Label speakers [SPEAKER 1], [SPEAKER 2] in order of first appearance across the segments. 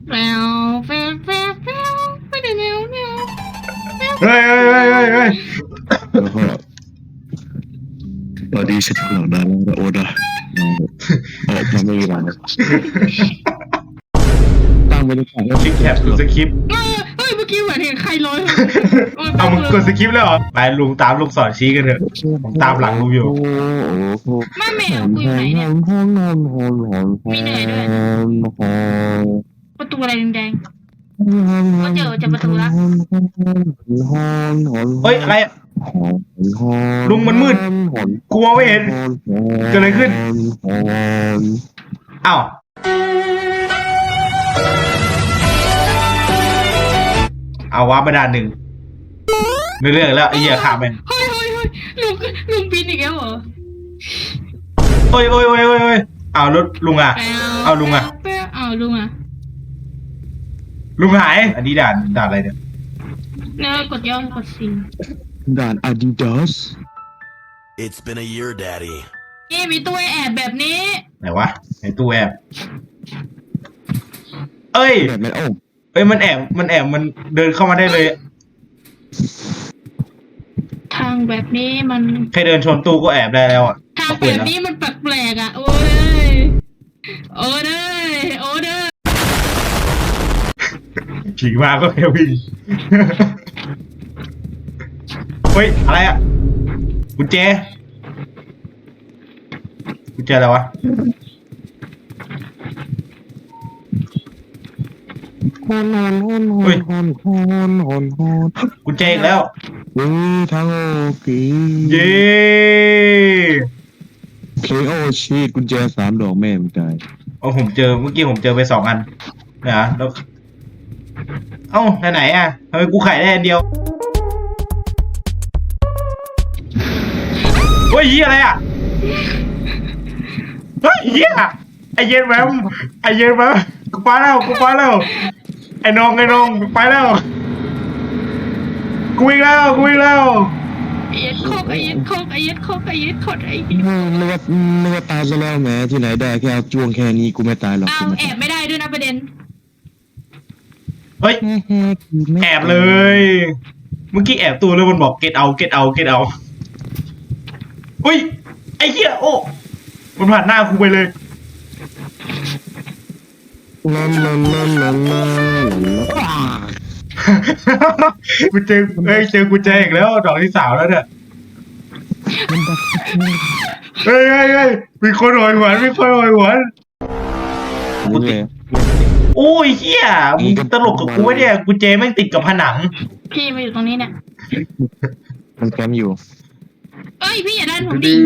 [SPEAKER 1] แมวแมวแมวแมวไม่ได้แมวแมว
[SPEAKER 2] เฮ้ยเฮ้ยเฮ้ยเฮ้ยเฮ้ย
[SPEAKER 3] แล้วก็ตอนนี้ฉันหลังได้แล้วโอ้นะทำไม่มีอะไรตั้งบรรยากาศแล้ว
[SPEAKER 2] คลิกแคปกูสคริปต์
[SPEAKER 1] เฮ้ยเมื่อกี้เหมือนเห็นใครลอย
[SPEAKER 2] เอามึงกดสคริปต์แล้วเหรอไปลุงตามลูกศรชี้กันเถอะผมตามหลังลุงอยู่
[SPEAKER 1] แม่แมวกูอยู่ไหนเนี่ยมีเหนื่อยด้วยประตูอะไรแดงๆก็เจอประตูละ
[SPEAKER 2] เฮ้ยอะไรอะลุงมันมืดกูมองไม่เห็นเกิดอะไรขึ้นอ้าวเอาวาร์ปมาด่านหนึ่งในเรื่องแล้วไอ้เหี้ยขาแม่ง
[SPEAKER 1] เฮ้ยเฮ้ยเฮ้ยลุงบินอีกแล้วเหรอ
[SPEAKER 2] โอ้ยโอ้ยโอ้ยโอ้ยโอ้ยเอารถลุงอ่ะเอาลุงอ่ะ
[SPEAKER 1] เอาลุงอ่ะ
[SPEAKER 2] ลุงหายอันนี้ด่านอะไรเนี่ย
[SPEAKER 1] เนี่ยกดย่อกดซี
[SPEAKER 3] ด่าน Adidas
[SPEAKER 4] It's been a year, Daddy.
[SPEAKER 1] นี่มีตัวแอบแบบนี้
[SPEAKER 2] ไหนวะในตู้แอบเอ้ย
[SPEAKER 3] แบบไม่โอ้
[SPEAKER 2] เอ้ยมันแอบมันเดินเข้ามาได้เลย
[SPEAKER 1] ทางแบบนี้มัน
[SPEAKER 2] แค่เดินชนตู้ก็แอบได้แล้วอ่ะ
[SPEAKER 1] ทางแบบนี้มันแปลกๆอ่ะโอ้ยโอ้ยโอ้ย
[SPEAKER 2] ผีมาก็แค่วิ่ง เฮ้ยอะไรอ่ะกุญแจอะไรวะกุญแจอีกแล้ว
[SPEAKER 3] ทางโอเค
[SPEAKER 2] เย้
[SPEAKER 3] เคโอชีตกุญแจ3 ดอกแม่มันตาย
[SPEAKER 2] เอาเมื่อกี้ผมเจอไป2 อันนะแล้วเอ้าไหนอ่ะทำไมกูขายได้อันเดียวเฮ้ยเหี้ยอะไรอ่ะเฮ้ยเหี้ยไอเย็นแวมกูไปแล้วไอ้น้องไปแล้วกูวิ่งแล้ว
[SPEAKER 1] ไอ้ยัดโคกไอ้ยัดโคกไอ้
[SPEAKER 3] นึกว่าตายซะแล้วแหมที่ไหนได้แค่เอาจ้วงแค่นี้กูไม่ตายหรอก
[SPEAKER 1] เอาแอบไม่ได้ด้วยนะประเด็น
[SPEAKER 2] เฮ้ยแอบเลย เมื่อกี้แอบตัวแล้วมันบอก get out เฮ้ยไอ้เหี้ยโอ้มันผ่านหน้ากูไปเลย กูเจอกูแจอีกแล้วดอกที่3แล้วเนี่ยเฮ้ยมีคนหอยหวนกูติดโอ้ยเฮียมึงตลกกับกูวะเนี่ยกูเจแม่งติดกับผนัง
[SPEAKER 1] พี่มาอยู่ตรงนี้เนี่ย
[SPEAKER 3] มันแคมอยู่
[SPEAKER 1] เอ้ยพี่อย่าดันผมดิ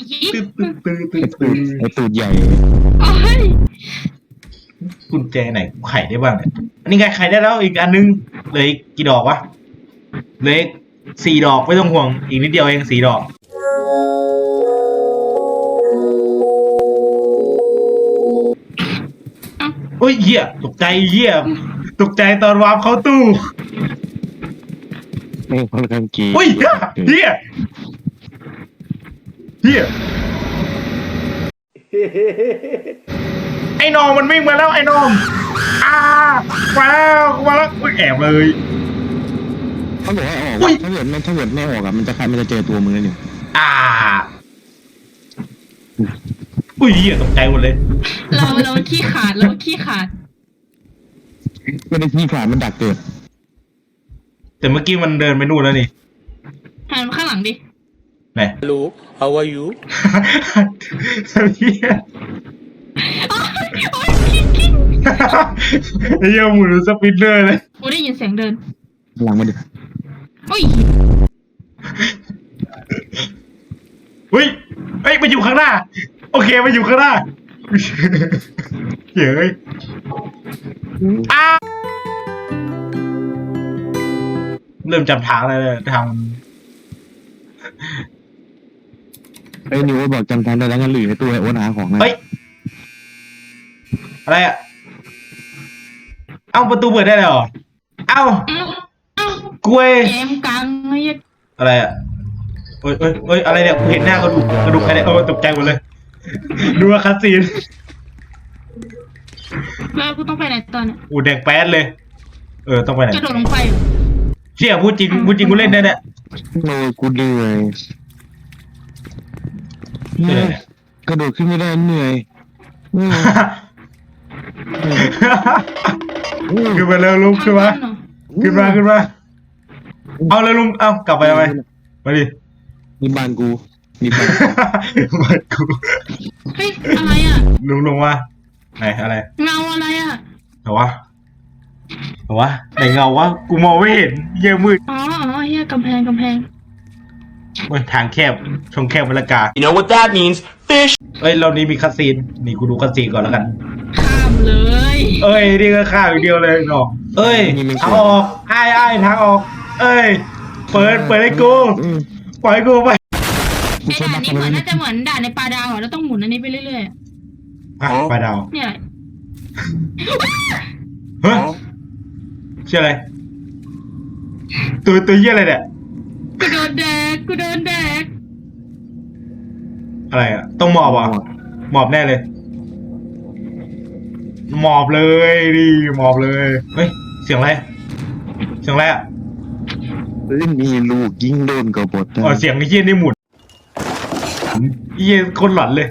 [SPEAKER 3] ไอตูดใหญ่
[SPEAKER 1] โอ้ย
[SPEAKER 2] กุญแจไหนกูไขได้บ้างเนี่ยอันนี้ไงไขได้แล้วอีกอันนึงเหลืออีกกี่ดอกวะเหลือ4 ดอกไม่ต้องห่วงอีกนิดเดียวเอง4 ดอกโอ้ยเหี้ยตกใจตอนวาร์ปเข้าตู้
[SPEAKER 3] ไม่ค่อนข้างกี
[SPEAKER 2] โอ้ยเหี้ยไอ้น้องมันวิ่งมาแล้วไอ้น้องมาแล้วอุ๊ยแอบเลย
[SPEAKER 3] เขาบอกว่าออกถ้าเกิดไม่ออกอะมันจะเจอตัวมึงเลยเนี่ย
[SPEAKER 2] อุ้ยเหี้ยตกใจหมดเลย
[SPEAKER 1] เราขี้ขาด
[SPEAKER 3] ไม่ได้ที่ขาดมันดักเกิด
[SPEAKER 2] แต่เมื่อกี้มันเดินไปนู่นแล้วนี่
[SPEAKER 1] หันมาข้างหลังดิ
[SPEAKER 2] ไหน
[SPEAKER 4] Hello, how are you?
[SPEAKER 2] เหี้ย
[SPEAKER 1] โอ้ยกิ้ง
[SPEAKER 2] ไอ้เหี้ยหมุนสปินเนอร์เลย
[SPEAKER 1] กูได้ยินเสียงเดิน
[SPEAKER 3] หลังมาดิ
[SPEAKER 1] โอ้ย
[SPEAKER 2] เฮ้ยมาอยู่ข้างหน้าโอเคมาอยู่ข้างหน้าเฮ้ยเริ่มจำทางแล้วทาง
[SPEAKER 3] ไอ้นิวบอกจำทางได้แล้วงั้นหรือให้ตัวไอ้โอ๊ตหาของนะ
[SPEAKER 2] เฮ้ยอะไรอ่ะเอ้าประตูเปิดได้เลยเหรอเอ้ากล้วย
[SPEAKER 1] แยมกลางไอ้ยัด
[SPEAKER 2] อะไรอ่ะเอ้ยอะไรเนี่ยกูเห็นหน้ากระดูกใครเนี่ยตกใจหมดเลยดูว่าคัสซีน
[SPEAKER 1] แล้วกูต้องไปไหนตอนน่ะ
[SPEAKER 2] อูแดงแป๊ดเลย ต้องไปไหน
[SPEAKER 1] กระโดดลงไปเหรอ
[SPEAKER 2] เชี่ยพูดจริงกูเล่นได้เนี่ย
[SPEAKER 3] โอ้กูเหนื่อย
[SPEAKER 2] เหนื่อยเนี่ย
[SPEAKER 3] กระโดดขึ้นไม่ได้เหนื่อย
[SPEAKER 2] ขึ้นมาเร็วลุงขึ้นมา
[SPEAKER 1] ทงตัเหรอ
[SPEAKER 2] ขึ้นมาเอาเลยลุงเอากลับไปทำไมมาดิ
[SPEAKER 3] นี่บ้านกูนี่บ้าน
[SPEAKER 2] มากู
[SPEAKER 1] เฮ้ยอะไรอ่ะ
[SPEAKER 2] ลุงลงมาไหนอะไร
[SPEAKER 1] เงาอะไรอ่ะ
[SPEAKER 2] เหรอวะไหนเงาวะกูมองไม่เห็นเยี่ยมืด
[SPEAKER 1] อ๋อเฮียกำแพง
[SPEAKER 2] เว้ยทางแคบช่องแคบมะละกา
[SPEAKER 4] You know what that means? Fish.
[SPEAKER 2] เอ้ยเรานี้มีคัสซีนนี่กูดูคัสซีนก่อนแล้วกัน
[SPEAKER 1] ข้ามเลย
[SPEAKER 2] เอ้ยนี่ก็ข้าวอย่างเดียวเลยเนาะเอ้ยทางออกไอ้ทางออก เอ้ยเปิดให้กูปล่อยกูไป
[SPEAKER 1] ไอ้ด่านนี้เหมือนน่าจะเหมือนด่านในปลาดาวอ่ะแล้วต้องหมุนอันนี้ไปเรื่อยๆอะ
[SPEAKER 2] ไปดาว
[SPEAKER 1] เนี่ย
[SPEAKER 2] เฮ้ยชื่ออะไรตัวเยี่ยอะไรเนี่ย
[SPEAKER 1] กูโดนแดก
[SPEAKER 2] อะไรอ่ะต้องหมอบอ่ะหมอบแน่เลยหมอบเลยดิหมอบเลยเฮ้ยเสียงอะไรอ่ะ
[SPEAKER 3] มีลูกยิงโดนกบฏ
[SPEAKER 2] อ๋อเสียงไอ้เยี่ยนี่หมุนเยี่ยคนหลอนเลย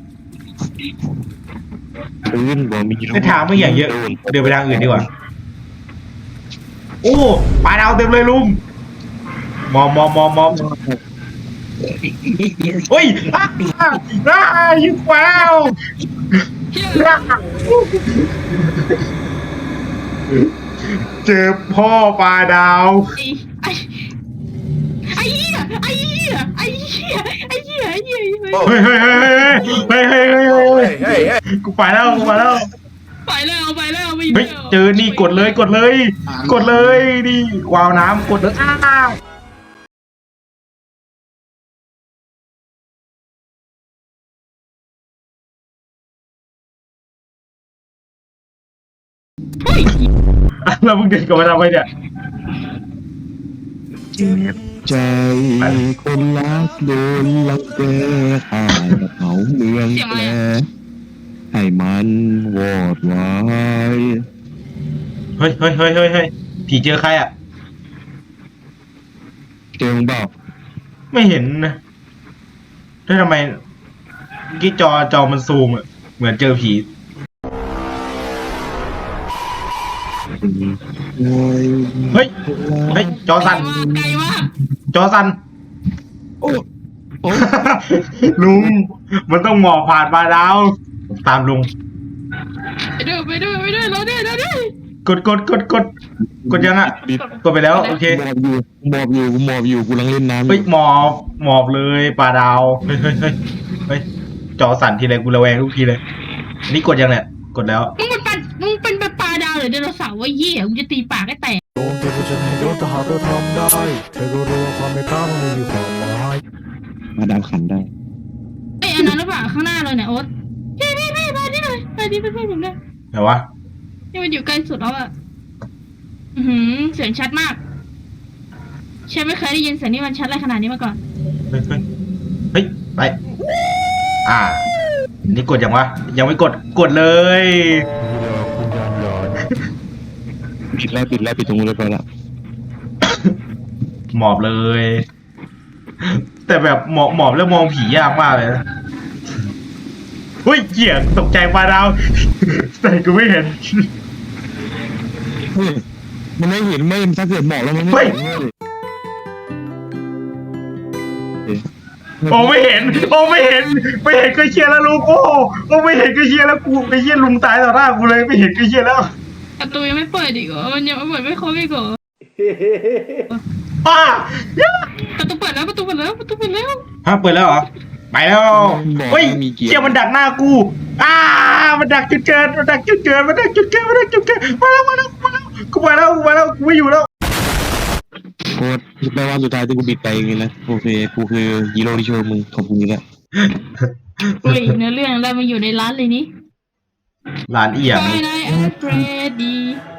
[SPEAKER 3] ปืนบ่มีลูก
[SPEAKER 2] ไอ้ทางไม่อย่างเยอะเดินไปทางอื่นดีกว่าโอ้ปลาดาวเต็มเลยลุงมอมเฮ้ยยิงแววเจอพ่อปลาดาว
[SPEAKER 1] ไอ้เหี้ย
[SPEAKER 2] เฮ้ย
[SPEAKER 4] Hey, hey.
[SPEAKER 2] กูไปแล้ว
[SPEAKER 1] ไปแล้วไป
[SPEAKER 2] เฮ้ยเจอนี่กดเลยนี่วาวน้ำกดเลยแล้วมึงเดินกลับมาทำไมเนี่ย
[SPEAKER 3] เจ็บใจคนรักโดนลังแกหายกระเป๋าเมืองแปรให้มันวอดวาย
[SPEAKER 2] เฮ้ยผีเจอใครอ่ะ
[SPEAKER 3] เจงเปล่า
[SPEAKER 2] ไม่เห็นนะแล้วทำไมเมื่อกี้จอมันซูมอ่ะเหมือนเจอผี เฮ้ยจอสั่น
[SPEAKER 1] ไกลมาก
[SPEAKER 2] จอสั่น
[SPEAKER 3] โอ้โอ้
[SPEAKER 2] ลุงมันต้องหมอบผ่านปลาดาวตามลุง
[SPEAKER 1] ไปด้วยเราด้วย
[SPEAKER 2] กดยังอ่ะกดไปแล้วโอเค
[SPEAKER 3] หมอบอยู่กูกำลังเล่นน้ำ
[SPEAKER 2] เฮ้ยหมอบเลยปลาดาวเฮ้ยจอสั่นทีไรกูระแวงทุกทีเลยอันนี้กดยังเนี่ยกดแล้ว
[SPEAKER 1] มึงเป็นปลาดาวหรือไดโนเสาร์วะเหี้ยมึงจะตีปากให้แตก
[SPEAKER 5] โดนตัวจะให้โดนถ้าหากเราทำได้เธอก็รู้ว่าความไม่กล้ามันไม่มีความหมาย
[SPEAKER 3] มาดามขันได้
[SPEAKER 1] ไอ้อันนั้นหรือเปล่าข้างหน้าเลยเนี่ยโอ๊ตพี่มาที่หน่อยมาที่เป็นเพื่อนผมด้วย
[SPEAKER 2] ไหนวะ
[SPEAKER 1] นี่มันอยู่ใกล้สุดแล้วอะเสียงชัดมากฉันไม่เคยได้ยินเสียงนี่มันชัดอะไรขนาดนี้มาก่อน
[SPEAKER 2] เฮ้ยไปนี่กดยังวะยังไม่กดเลย
[SPEAKER 5] นี่แหละคุณยานหลอน
[SPEAKER 3] ปิดตรงนู้นเลยไปละ
[SPEAKER 2] หมอบเลย แต่แบบหมอบแล้วมองผียากมากเลยนะเฮ้ยเหี้ยตกใจปลาดาวแต่กูไม่เห็น
[SPEAKER 3] มันไม่เห็นไม่ถ้าเกิดหมอบแล้วมันไม่
[SPEAKER 2] เฮ้ย
[SPEAKER 3] เห็นเลย
[SPEAKER 2] ไม่เห็นก็เชียร์แล้วลุงไม่เห็นก็เชียร์แล้วกูไอ้เชียลุงตายต่อหน้ากูเลยไม่เห็นก็เชียร์แล้ว
[SPEAKER 1] ประตูยังไม่เปิดอีกเหรอมันยังไม่เปิดไม่ครบอีกเหรอ ประตูเปิดแล้วฮะเปิดแล้วเหรอไปแล้วเฮ้ยเชียร์มันดักหน้ากูมันดักจุดเกินมาแล้วกูไปแล้วกูไม่อยู่แล้ว
[SPEAKER 3] โคตรแปลว่าสุดท้ายที่กูบิดไปอย่างงี้นะโอเคกูคือฮีโร่ที่ช่วยมึงขอบคุณแล้ว
[SPEAKER 1] เฮ้ยเนื้อเรื่องอะไรมาอยู่ในร้านเลยนี่
[SPEAKER 2] ร้านเอี่ยม
[SPEAKER 1] Friday at Freddy